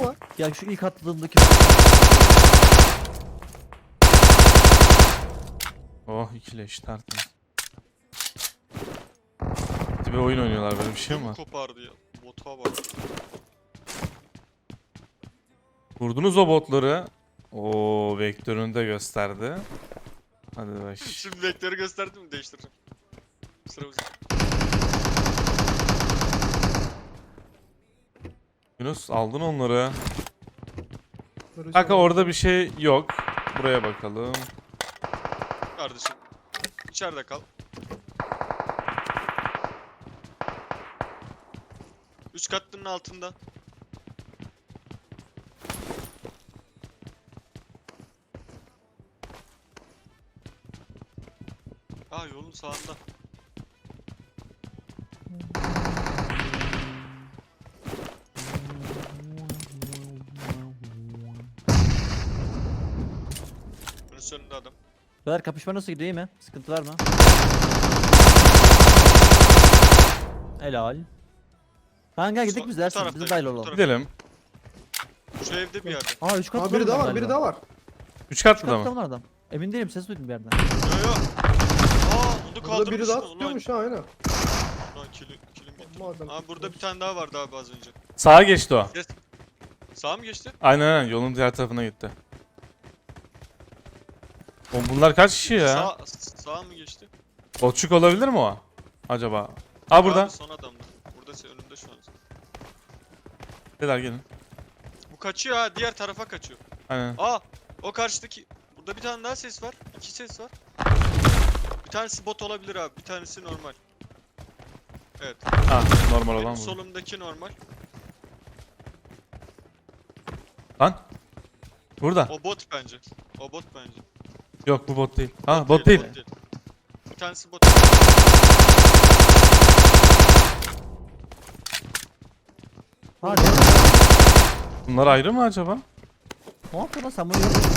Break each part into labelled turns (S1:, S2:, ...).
S1: ama.
S2: Ya şu ilk atladığımdaki...
S3: Oh ikileş tertemiz. Bir oyun oynuyorlar, böyle bir şey mi
S4: Ödümü
S3: var?
S4: kopardı ya. Bota bak.
S3: Vurdunuz o botları. Oo, vektörünü de gösterdi. Hadi bak.
S4: Şimdi vektörü gösterdim mi değiştireceğim. Sıramız.
S3: Yunus aldın onları.
S1: Barış
S3: Kanka
S1: abi.
S3: orada bir şey yok. Buraya bakalım.
S4: Kardeşim. İçeride kal. Üç katlının altında. Aa, yolun sağında. Bunun önünde adam.
S2: Beyler kapışma nasıl gidiyor, iyi mi? Sıkıntı var mı? Helal. Kanka gel gidelim biz
S4: Bu
S2: dersin.
S4: tarafta,
S2: Bize dahil
S4: bu
S2: olalım.
S4: tarafta.
S3: Gidelim.
S4: Şu evde bir yerde.
S2: Aa 3 katlı
S1: Aa, biri daha var, biri daha var.
S3: 3
S2: 3
S3: katlı da
S2: katlı
S3: mı?
S2: mı adam? Emin değilim, ses duydum bir yerden.
S4: Yo yo. Aa, onu
S1: Burada
S4: kaldırmış.
S1: biri daha
S4: Ulan,
S1: tutuyormuş ha, aynen.
S4: Ulan kilim gitti.
S1: Madem
S4: Aa, burada bir tane daha vardı abi az önce.
S3: Sağa geçti o.
S4: Yes. Sağa mı geçti?
S3: Aynen yolun diğer tarafına gitti. Oğlum bunlar kaç kişi ya?
S4: Sağa mı geçti?
S3: Botçuk olabilir mi o? Acaba? Aa burada.
S4: Abi, son adamdı. Burada önünde şu an.
S3: Beyler gelin.
S4: Bu kaçıyor ha, diğer tarafa kaçıyor.
S3: Aynen.
S4: Aa, o karşıdaki. Burada bir tane daha ses var. İki ses var. Bir tanesi bot olabilir abi, bir tanesi normal. Evet.
S3: Ha normal
S4: Benim
S3: olan bu.
S4: solumdaki normal.
S3: Lan. Burada.
S4: O bot bence. O bot bence.
S3: Yok bu bot değil. Ha bot değil.
S4: Bir tanesi bot.
S2: Ha
S3: Bunlar ayrı mı acaba?
S2: ne yapıyor lan sen bunu yapıyorsun?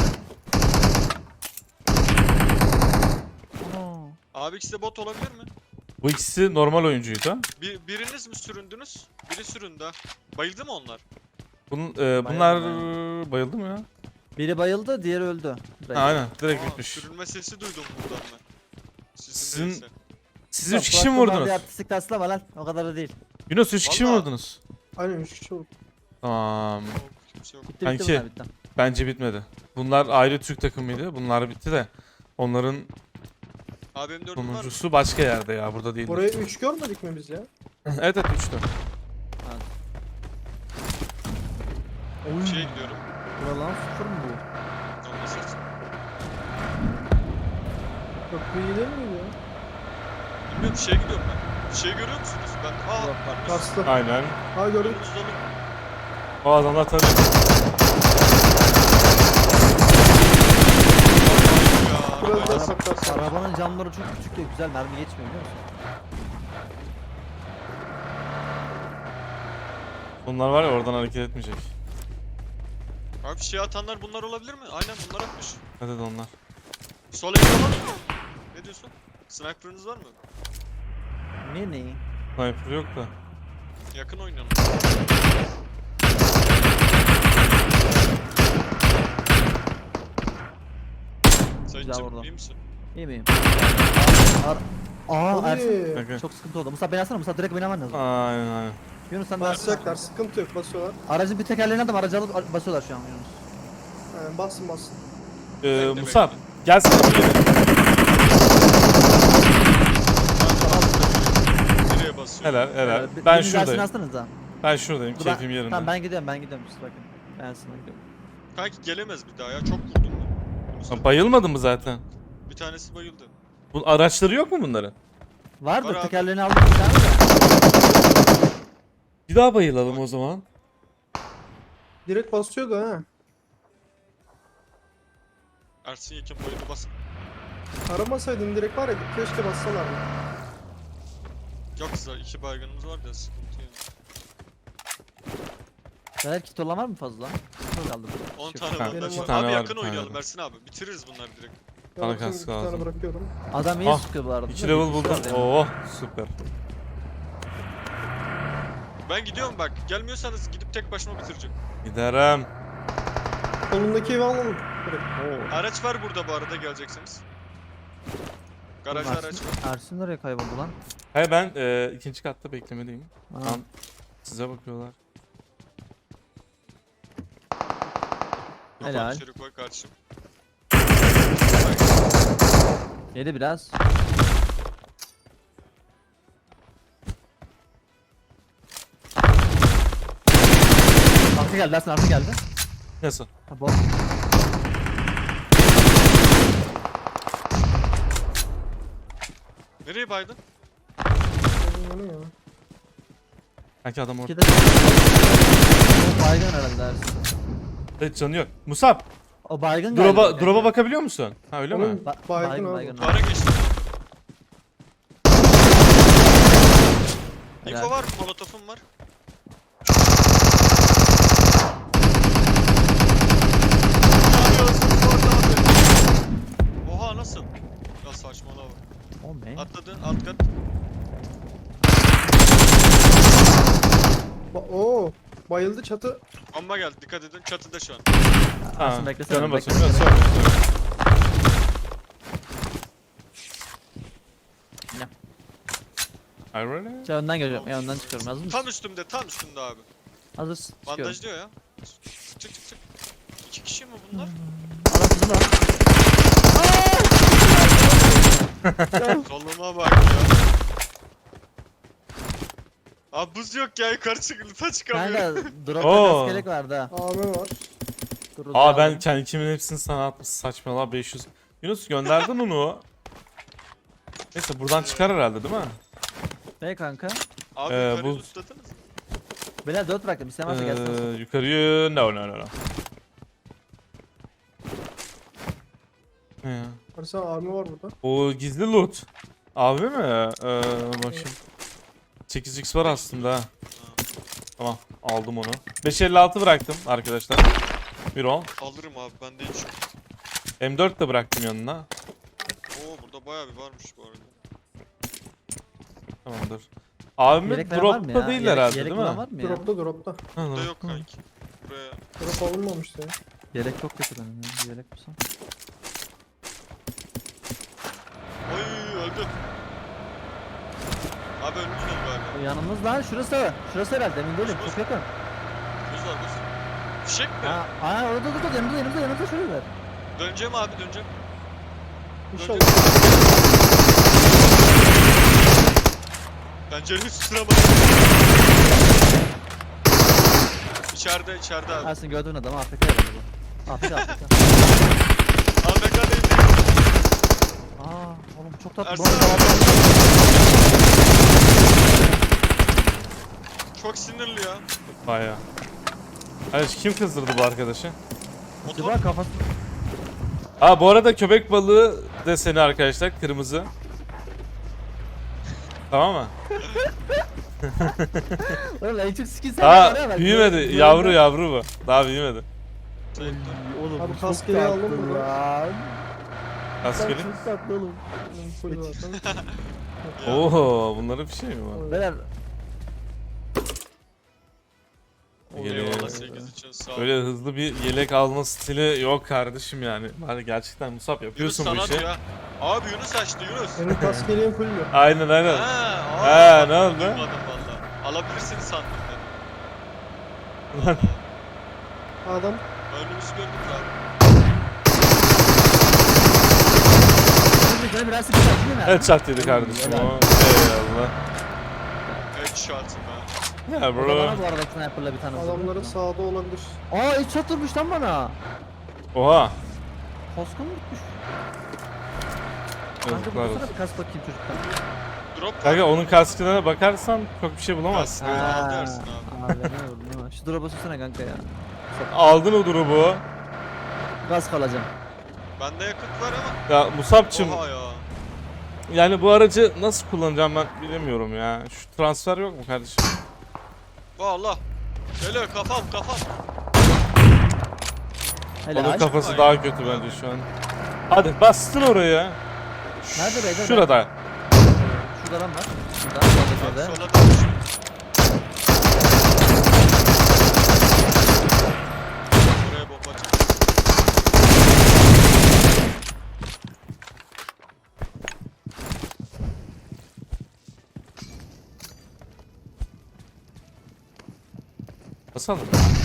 S2: Ana.
S4: Abi ikisi de bot olabilir mi?
S3: Bu ikisi normal oyuncuydu.
S4: Biriniz mi süründünüz? Biri süründü ha. Bayıldı mı onlar?
S3: Bunlar bayıldı mı ya?
S2: Biri bayıldı, diğeri öldü.
S3: Ha, aynen direkt
S4: Aa,
S3: bitmiş.
S4: sürünme sesi duydum buradan ben.
S3: Sizin-
S4: değilse.
S3: Siz 3 kişi mi vurdunuz?
S2: Artistik taslama lan, o kadar da değil.
S3: Yunus 3 kişi mi
S4: Vallahi.
S3: vurdunuz?
S1: Aynen 3 kişi oldu.
S3: Tamam.
S4: Yok, kimse yok.
S2: Bitti
S3: Kanki.
S2: bunlar bitti.
S3: Bence bitmedi. Bunlar ayrı Türk takımıydı. Bunlar bitti de. Onların
S4: Abi M4'üm var mı?
S3: sonuncusu başka yerde ya. Burada değil.
S1: Oraya 3 görmedik mi biz ya?
S3: Evet evet 3'tü.
S4: Bir şeye gidiyorum.
S2: Bura lan sıfır mı bu?
S4: Onunla ses.
S1: Köprüyü gidelim miydi ya?
S4: Bilmiyorum, bir şeye gidiyorum ben. Bir şey görüyor musunuz? Ben... Aa,
S2: Yok, bak.
S1: Kastı.
S3: Aynen.
S1: Ha gördük.
S4: önümüz dolu.
S3: O adamlar tabii.
S4: Ya,
S1: Biraz
S4: arabayı
S1: daha
S4: da
S1: saklarsan.
S2: Arabanın camları çok küçük de güzel mermi geçmiyor biliyor musun?
S3: Bunlar var ya oradan hareket etmeyecek.
S4: Abi şey atanlar bunlar olabilir mi? Aynen bunlar atmış.
S3: Hadi de onlar.
S4: Sol evde var mı? Ne diyorsun? Sniper'ınız var mı?
S2: Ne?
S3: Sniper yok da.
S4: Yakın oynayalım.
S2: Güzel
S4: Sayıncım
S2: vurdu.
S4: iyi misin?
S2: İyi miyim? Aa Ersin.
S1: Hadi.
S3: Kanka.
S2: Çok sıkıntı oldu. Musa beni alsana, Musa direkt oynaman lazım.
S3: Aynen aynen.
S2: Yunus sen de
S1: Basacaklar, sıkıntı yok, basıyorlar.
S2: aracın bir tekerleğini aldım, aracı alıp basıyorlar şu an Yunus.
S1: Yani bassın bassın.
S4: Bekle,
S3: Musab.
S4: bekle.
S3: Gelsene buraya.
S4: Nereye basıyor?
S3: Helal helal.
S2: Bir-
S3: Ben
S2: biriniz Ersin'i
S3: şuradayım.
S2: alsanıza.
S3: Ben şuradayım.
S2: Dur,
S3: Keyfim yerinde.
S2: Tamam ben gidiyorum siz bakın. Ben Ersin'e gidiyorum.
S4: Kanki gelemez bir daha ya, çok vurdum ben.
S3: Ha, bayılmadın mı zaten?
S4: Bir tanesi bayıldı.
S3: Bu araçları yok mu bunların?
S2: Vardır
S4: Var abi.
S2: tekerleğini aldım bir tane de.
S3: Bir daha bayılalım o zaman.
S1: Direkt basıyordu ha.
S4: Ersin Yekin bayıldı, bas.
S1: Aramasaydın direkt var ya, keşke bassalardı.
S4: Yoksa iki baygınımız var da sıkıntı yok.
S2: Beyler kit olan var mı fazla? Çok kaldı.
S4: 10
S2: Şey-
S4: tane
S3: Ha,
S4: bandaj
S1: iki
S4: var.
S3: tane
S4: Abi
S3: var,
S4: yakın
S3: bir tane
S4: oynayalım
S3: var.
S4: Ersin abi. Bitiririz bunları direkt.
S3: Bana
S1: Yaptım,
S3: kask
S1: bir tane
S3: lazım.
S1: bırakıyorum.
S2: Adam iyi
S3: Ah,
S2: sıkıyor bu arada.
S3: 2 level buldum.
S2: Oo.
S3: Oo süper.
S4: Ben gidiyorum bak. Gelmiyorsanız gidip tek başıma bitireceğim.
S3: Giderim.
S1: Solundaki evi alalım. Direkt.
S4: Araç var burada bu arada geleceksiniz. Garajda
S2: Oğlum,
S4: araç
S2: Ersin,
S4: var.
S2: Ersin nereye kayboldu lan?
S3: He ben ikinci katta beklemedeyim.
S2: Aa,
S3: Tam size bakıyorlar.
S2: Helal.
S4: İçeri koy kardeşim.
S2: yedi biraz. Arka geldi Ersin, arka geldi.
S3: Nasıl?
S2: Ha, bot.
S4: Nereye baydın?
S1: O ne ya?
S3: Sanki adam orada.
S2: İki de o baygın herhalde Ersin.
S3: Evet, canı yok. Musab,
S2: O baygın galiba.
S3: drop'a bakabiliyor musun? Ha öyle mi?
S1: Onun baygın abi.
S2: baygın.
S4: Duvara geçtim.
S2: Helal.
S4: Info var mı? Molotofum var. Oha nasıl? Ya saçmalama.
S2: O ne?
S4: Atladı alt kat.
S1: Oo. Bayıldı çatı.
S4: Bomba geldi dikkat edin çatıda şu an.
S3: Ha,
S2: Ersin beklesene,
S3: canım
S2: beklesene.
S3: basıyor. Sorry, sorry.
S2: Ne?
S3: Are you ready?
S2: Şey, önden geliyorum. Ya önden çıkıyorum. Hazır mısın?
S4: Tam üstümde abi.
S2: Hazırsın. Çıkıyorum.
S4: Bandajlıyor ya. Çık. 2 kişi mi bunlar?
S2: Arasında lan.
S4: Soluma bak ya. Abi buz yok ya yukarı çık lütfen
S2: Kanka
S4: çıkamıyorum.
S2: dropta
S3: Oo.
S2: kaskelek vardı ha.
S1: AM var.
S2: Dur,
S3: Aa ben
S2: aldım.
S3: kendimin hepsini sana atmış, saçmalama 500. Yunus gönderdin onu. Neyse buradan çıkar herhalde değil mi?
S2: Ne kanka?
S4: Abi
S3: Ee,
S4: yukarı
S3: buz-
S4: tutladınız mı?
S2: Beyler 4 bıraktım. İstemezse gelsin.
S3: Yukarıyı no. Ne ya?
S1: Arsa AM var burada.
S3: O gizli loot. Abi mi? Bakayım. 8x var aslında ha. Tamam aldım onu. 556 bıraktım arkadaşlar. Bir on.
S4: Alırım abi ben de hiç yok.
S3: M4 de bıraktım yanına.
S4: Oo burada bayağı bir varmış bu arada.
S3: Tamamdır. Abim
S2: Yelek falan var mı
S3: dropta
S2: ya?
S3: değil
S2: Yelek-
S3: herhalde
S2: yelek
S3: değil mi?
S2: falan var mı ya?
S1: Dropta.
S3: Ha,
S4: Burada
S3: ha.
S4: yok kanki. Buraya
S1: Drop alınmamıştı ya.
S2: Yelek çok kötü benim ya. Yelek bulsam.
S4: Oy öldü. Abi önümüz dolu galiba.
S2: O yanımız lan şurası. Şurası herhalde emin değilim. Çok yakın.
S4: Buz var buz. Fişek mi?
S2: Aa orada dur yanımızda şurada.
S4: Döneceğim abi döneceğim.
S1: İnşallah.
S4: Pencerenin üstüne bak. İçeride abi.
S2: Ersin gördüğün adamı AFK herhalde bu. AFK.
S4: AFK değil.
S2: Aa oğlum çok tatlı.
S4: Ersin
S2: Bu arada-
S4: abi. Çok sinirli ya.
S3: Baya. Hayır kim kızdırdı bu arkadaşı?
S4: Motor.
S2: Acaba kafası...
S3: Aa bu arada köpek balığı deseni arkadaşlar kırmızı. Tamam mı?
S2: Oğlum en çok skin sen
S3: Daha büyümedi. Yavru bu. Daha büyümedi.
S2: Oğlum
S1: Abi
S2: bu
S1: kaskeli
S2: çok
S1: aldım
S2: tatlı
S1: bunu.
S2: lan.
S3: Askeri.
S2: Çok tatlı oğlum.
S1: Full zaten.
S3: Oo bunların bir şey mi var?
S2: Beyler
S4: Eyvallah 8 için sağ ol.
S3: Öyle hızlı bir yelek alma stili yok kardeşim yani. Hadi gerçekten Musab
S4: Yunus
S3: yapıyorsun bu
S4: sana
S3: işi.
S4: diyor ha. Abi Yunus açtı Yunus.
S1: Benim kaskeliğim full mü?
S3: Aynen aynen.
S4: Ha,
S3: ne oldu?
S4: Duymadım valla. Alabilirsin sandım
S3: Lan.
S1: Adam
S4: Önümüzü gördünüz abi.
S2: Şimdi biraz sıkıntı değil mi?
S3: Evet çat yedi kardeşim
S2: Helal.
S3: o. Eyvallah.
S4: Headshot'ım ha.
S3: Ya
S2: O da bana
S3: bro.
S2: bu arada sniper'la bir tane vurdu.
S1: adamların sağda olabilir.
S2: Aa hiç çatırmış lan bana.
S3: Oha.
S2: Kaskım gitmiş. Kanka
S3: Yazıklar
S2: bu
S3: olsun.
S2: bir kask bakayım çocuktan.
S4: Drop var.
S3: Kanka onun kaskına bakarsan çok bir şey bulamazsın.
S4: Evet,
S2: Ha,
S4: al dersin abi.
S2: Abi ne vurdun değil mi? Şu drop'a sürsene kanka ya.
S3: Aldın o drop'u.
S2: Kask alacağım.
S4: Bende yakıt var ama.
S3: Ya Musab'cım
S4: Oha ya.
S3: yani bu aracı nasıl kullanacağım ben bilemiyorum ya. Şu transfer yok mu kardeşim?
S4: Valla. Geliyor kafam.
S3: Onun
S2: Helal.
S3: kafası
S4: Ay.
S3: daha kötü bence şu an. Hadi bastın oraya.
S2: Nerede beyler?
S3: Şurada.
S2: Şurada lan var. Şurada. Şurada.
S4: Abi
S2: Şurada.
S4: sola dönmüş.
S3: Basalım.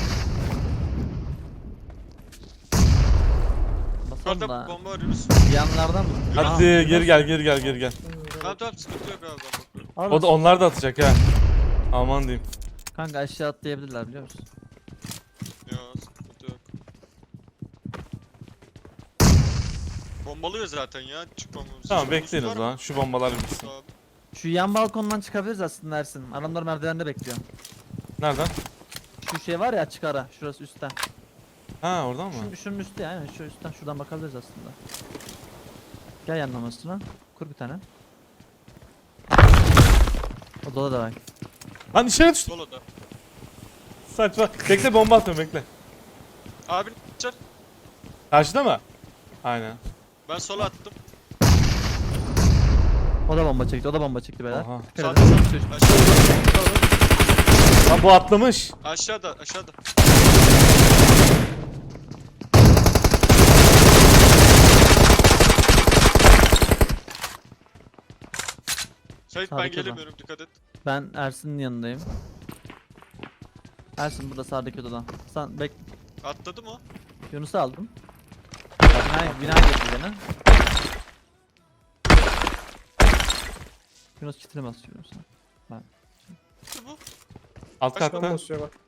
S2: Basalım
S4: Yukarıda
S2: da.
S4: bomba var Yunus.
S2: Yanlardan mı?
S3: Hadi geri gel.
S4: Tamam sıkıntı yok abi ben bakıyorum.
S2: Al
S3: O da onlar da atacak ha. Aman diyeyim.
S2: Kanka aşağı atlayabilirler biliyor musun?
S4: Ya sıkıntı yok. Bombalıyor zaten ya çıkmamamız.
S3: Tamam
S4: için.
S3: bekleyin o
S4: Yunus var
S3: zaman.
S4: mı?
S3: Şu bombalar bitsin.
S4: Abi.
S2: Şu yan balkondan çıkabiliriz aslında Ersin. Adamlar merdivende bekliyor.
S3: Nereden?
S2: Şu şey var ya açık ara. Şurası üstte.
S3: Ha oradan mı?
S2: Şunun üstte yani. Şu üstten şuradan bakabiliriz aslında. Gel yanlamasına. Kur bir tane. Odada da var.
S3: Lan içeri düştü.
S4: Solo'da.
S3: Saçma. Bekle bomba atıyorum bekle.
S4: Abi çar.
S3: Karşıda mı? Aynen.
S4: Ben sola attım.
S2: O da bomba çekti. O da bomba çekti beyler.
S3: Oha.
S2: Dikkat
S4: Sağda
S2: edin.
S4: sağda. Aşağıda.
S3: Lan bu atlamış.
S4: Aşağıda. Sait ben
S2: Sağdaki adam.
S4: gelemiyorum dikkat et.
S2: Ben Ersin'in yanındayım. Ersin burada sağdaki odadan. Sen bek
S4: Atladı mı?
S2: Yunus'u aldım. Bina getir beni. Yunus kitine basıyor Yunus'a.
S4: Gitti bu.
S3: Alt
S4: Kaç
S1: Tam
S3: katta.
S1: basıyor bak.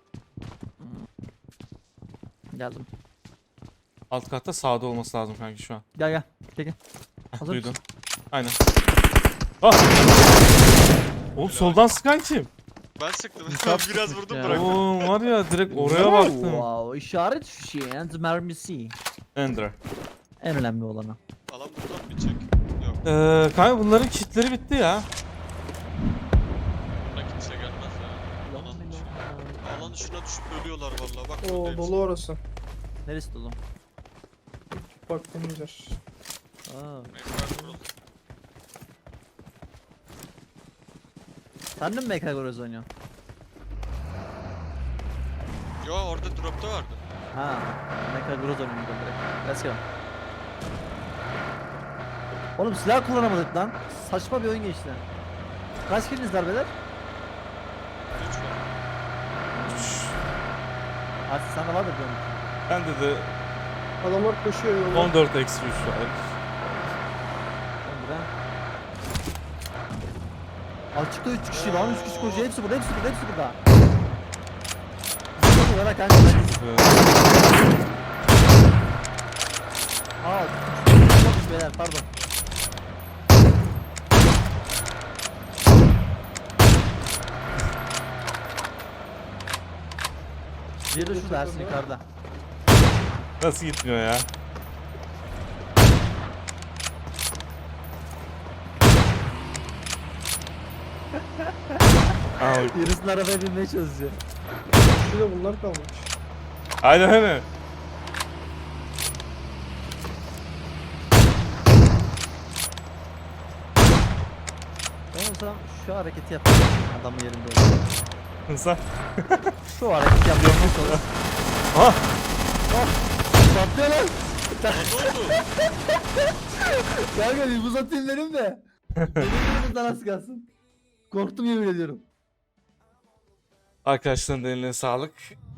S2: Geldim.
S3: Alt katta sağda olması lazım kanki şu an.
S2: Gel. Gel. Hazır
S3: Duydum.
S2: mısın?
S3: Aynen. Ah! Oğlum soldan sıkan kim?
S4: Ben sıktım.
S2: Musab
S4: Biraz
S2: sıkmış
S4: vurdum
S2: ya.
S4: bıraktım.
S3: Oo var ya direkt oraya baktım.
S2: Wow, işaret fişeği and mermisi.
S3: Ender.
S2: En önemli olanı.
S4: Alan buradan bir çek. Yok.
S3: Kanka bunların kitleri bitti ya.
S4: Buradan kimse gelmez ya. Alan dışına düşüp ölüyorlar vallahi. Bak
S1: Oo
S4: buradayız.
S1: dolu orası.
S2: Neresi dolu?
S1: Baktığımız yer.
S2: Aa,
S4: Ekran kurulu.
S2: sen de mi Mekagoraz oynuyorsun?
S4: Yo orada dropta vardı.
S2: Ha, Mekagoraz oynuyorum direkt. Let's go. Oğlum silah kullanamadık lan. Saçma bir oyun geçti. Kaç killiniz var beyler?
S4: 3 var.
S2: Artık sende vardır diyorum.
S3: Bende de
S1: Adamlar koşuyor yolda.
S3: 14 eksi 3 var.
S2: Burada. Açıkta 3 kişi lan, 3 kişi koşuyor. Hepsi burada. Hadi bana kanka. Aa, çok beyler pardon. Bir de şu dersin yukarıda.
S3: Nasıl gitmiyor ya? Aa,
S2: Yarısının arabaya binmeye çalışıyor.
S1: Şurada bunlar kalmış.
S3: aynen öyle.
S2: Ben olsam şu hareketi yaparım adamın yerinde olur.
S3: Sen.
S2: Şu hareketi yapmaya çalış.
S3: Ah!
S2: Patlıyor lan.
S4: Ne oldu?
S2: Kanka bir buz atayım dedim de. Benim az kalsın. Korktum yemin ediyorum.
S3: Arkadaşların eline sağlık.